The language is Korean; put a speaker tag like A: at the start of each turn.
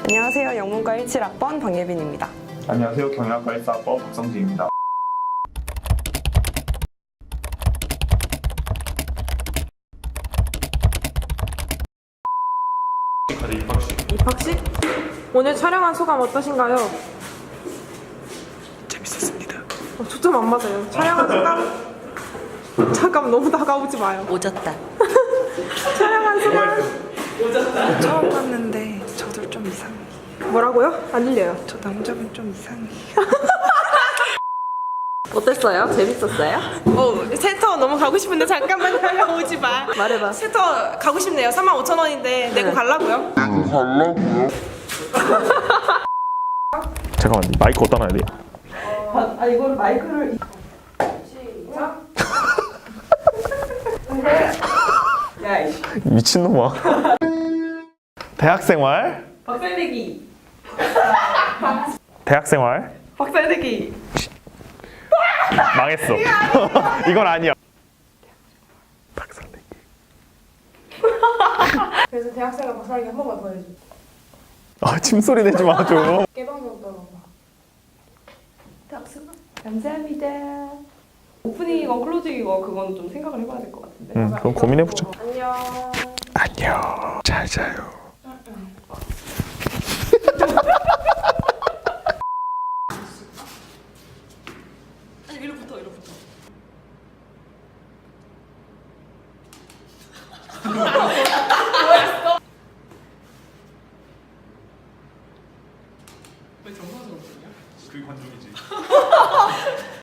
A: 안녕하세요. 영문과 17학번 박예빈입니다.
B: 안녕하세요. 경영학과 1사학번 박성진입니다.
C: 입학식? 오늘 촬영한 소감 어떠신가요?
B: 재밌었습니다.
C: 초점 안 맞아요. 촬영한 소감? 잠깐 너무 다가오지 마요.
D: 오졌다.
C: 촬영한 소감?
E: 처음 봤는데 저도 좀 이상해.
C: 뭐라고요? 안 들려요.
E: 저 남자분 좀 이상해.
D: 어땠어요? 재밌었어요?
C: 센터 너무 가고 싶은데 잠깐만 다가오지 마.
D: 말해봐.
C: 센터 가고 싶네요. 35,000원인데 내고 가려고요.
B: 잠깐만, 마이크 어디다 놔야 돼?
C: 이거를 마이크를
B: 미친놈아. 대학생활.
C: 박살내기.
B: 대학생활.
C: 박살내기.
B: 망했어. 이건 아니야. 박살내기.
C: 그래서 대학생활 박살내기 한 번만 더 해줘.
B: 아, 침소리 내지 마, 좀.
C: 깨방정 떨어봐. 대학생활. 감사합니다. 오프닝이건 클로징이건 그건 좀 생각을 해봐야 될 것 같은데.
B: 그럼 고민해보자.
C: 안녕.
B: 안녕. 잘 자요.